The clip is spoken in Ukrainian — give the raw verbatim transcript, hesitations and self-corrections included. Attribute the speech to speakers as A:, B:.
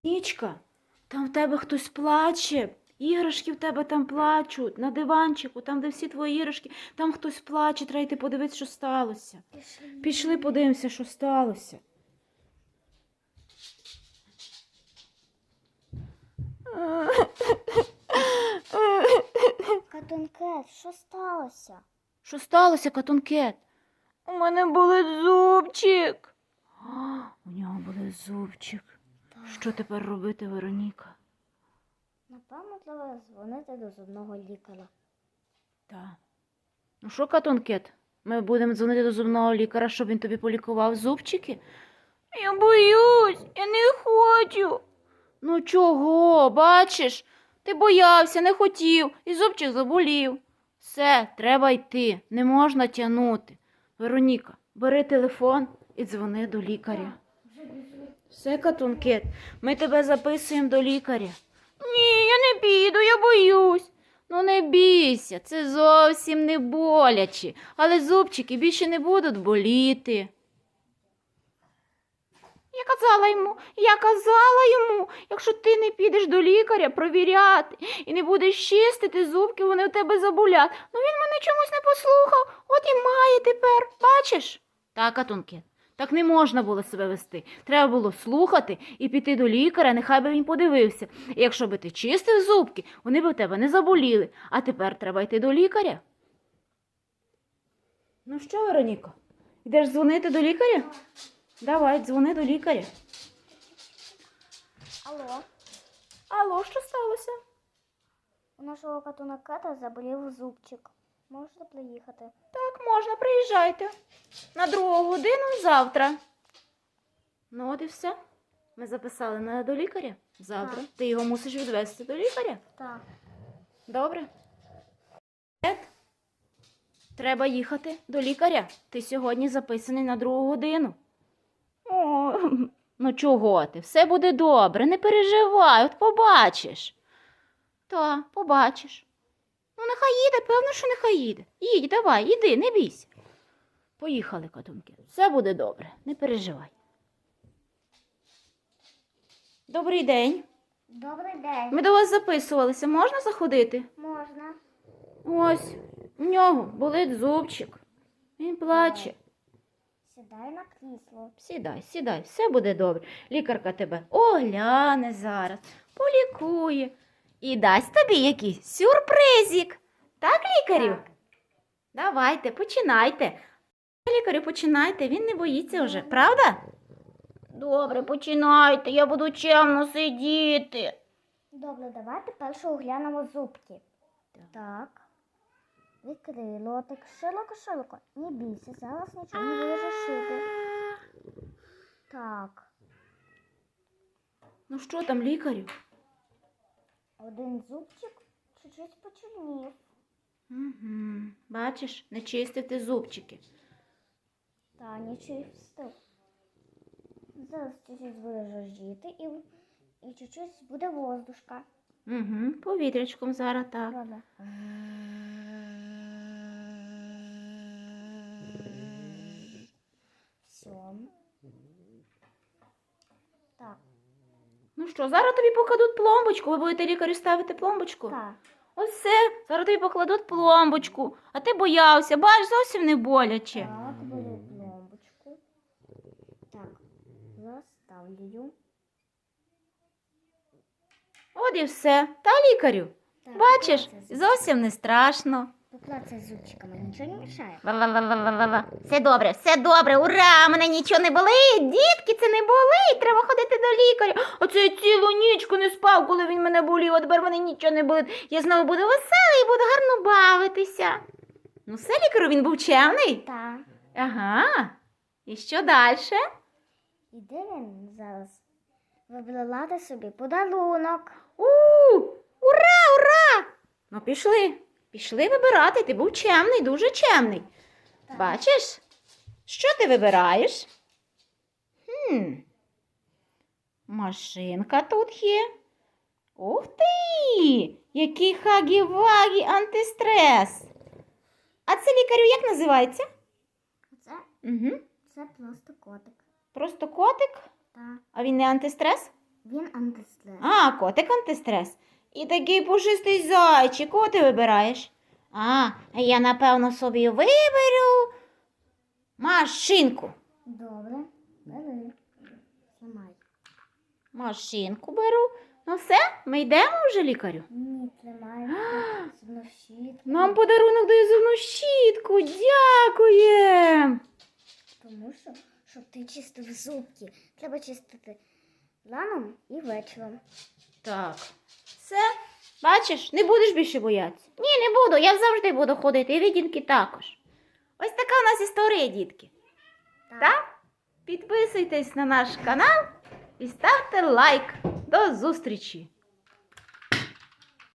A: Нічка, там в тебе хтось плаче. Іграшки в тебе там плачуть. На диванчику, там, де всі твої іграшки, там хтось плаче. Треба йти подивитися, що сталося.
B: Пішли.
A: Пішли подивимося, що сталося.
B: Катункет, що сталося?
A: Що сталося, Катункет? У мене болить зубчик. А, у нього болить зубчик.
B: Так.
A: Що тепер робити, Вероніка?
B: Напевно, треба дзвонити до зубного лікаря.
A: Так. Ну що, Катункет, ми будемо дзвонити до зубного лікаря, щоб він тобі полікував зубчики? Я боюсь, я не хочу. Ну чого, бачиш? Ти боявся, не хотів, і зубчик заболів. Все, треба йти, не можна тягнути. Вероніка, бери телефон і дзвони до лікаря. Все, Катункет, ми тебе записуємо до лікаря. Ні, я не піду, я боюсь. Ну не бійся, це зовсім не боляче, але зубчики більше не будуть боліти. Я казала йому, я казала йому, якщо ти не підеш до лікаря провіряти і не будеш чистити зубки, вони в тебе заболять. Ну він мене чомусь не послухав, от і має тепер, бачиш? Так, Катункет, так не можна було себе вести. Треба було слухати і піти до лікаря, нехай би він подивився. І якщо би ти чистив зубки, вони б в тебе не заболіли. А тепер треба йти до лікаря. Ну що, Вероніко, йдеш дзвонити до лікаря? Давай, дзвони до лікаря.
B: Алло,
A: Алло, що сталося?
B: у нашого катункета заболів зубчик. Можете приїхати?
A: Так, можна, приїжджайте. На другу годину завтра. Ну от і все. Ми записали на до лікаря завтра.
B: Так.
A: Ти його мусиш відвезти до лікаря.
B: Так.
A: Добре. Ед, треба їхати до лікаря. Ти сьогодні записаний на другу годину. О, ну чого ти? Все буде добре, не переживай, от побачиш. Та, побачиш. Ну, нехай їде, певно, що нехай їде. Їдь, давай, іди, не бійся. Поїхали, Катунки. Все буде добре, не переживай. Добрий день.
B: Добрий день.
A: Ми до вас записувалися. Можна заходити?
B: Можна.
A: Ось, у нього болить зубчик. Він плаче.
B: Сідай на крісло.
A: Сідай, сідай, все буде добре. Лікарка тебе огляне зараз, полікує і дасть тобі якийсь сюрпризик. Так, лікарю?
B: Так.
A: Давайте, починайте. Лікарю, починайте, він не боїться вже, правда? Добре, починайте, я буду чемно сидіти.
B: Добре, давайте перше оглянемо зубки. Так. Відкрий лотик широко-широко. Не бійся, зараз нічого не буде шити. Так.
A: Ну що там, лікарю?
B: Один зубчик чуть-чуть почернів.
A: Угу. Бачиш, не чистив ти зубчики.
B: Та нічого встиг. Зараз чуть-чуть буде жоржіти і, і чуть-чуть буде воздушка.
A: Угу. Повітрячком зараз так.
B: Добре. Все. Так.
A: Ну що, зараз тобі покладуть пломбочку. Ви будете лікарю ставити пломбочку?
B: Так.
A: Ось все, зараз тобі покладуть пломбочку. А ти боявся, бач, зовсім не боляче.
B: Так, беру пломбочку. Так, заставлю.
A: От і все. Та, лікарю?
B: Так,
A: Бачиш,
B: поклацай
A: зовсім не страшно.
B: Поклацай зубчиками, нічого не мішає.
A: Ла-ла-ла-ла-ла-ла. Все добре, все добре, ура, мене нічого не болить, дітки, це не болить, треба ходити до лікаря. Оце я цілу нічку не спав, коли він мене болів, а тепер мене нічого не болить. Я знову буду веселий і буду гарно бавитися. Ну все, лікарю, він був чемний?
B: Так.
A: Ага. І що далі?
B: Іде він зараз вибирати собі подарунок.
A: У, ура, ура! Ну пішли, пішли вибирати, ти був чемний, дуже чемний.
B: Так.
A: Бачиш? Що ти вибираєш? Хм. Машинка тут є. Ух ти! Який хагі-вагі антистрес. А це, лікарю, як називається?
B: Це,
A: Угу.
B: це просто котик.
A: Просто котик?
B: Так.
A: А він не антистрес?
B: Він антистрес.
A: А, котик антистрес. І такий пушистий зайчик. Кого ти вибираєш? А, я напевно собі виберу машинку.
B: Добре. Бери. Тримай.
A: Машинку беру. Ну все, ми йдемо вже, лікарю.
B: Ні, тримай. Зубну щітку.
A: Нам подарунок дає зубну щітку. Дякуємо.
B: Тому що, щоб ти чистив зубки, треба чистити раном і вечором.
A: Так. Все. Бачиш, не будеш більше боятися. Ні, не буду. Я завжди буду ходити. І відінки також. Ось така у нас історія, дітки. Так? Підписуйтесь на наш канал і ставте лайк. До зустрічі!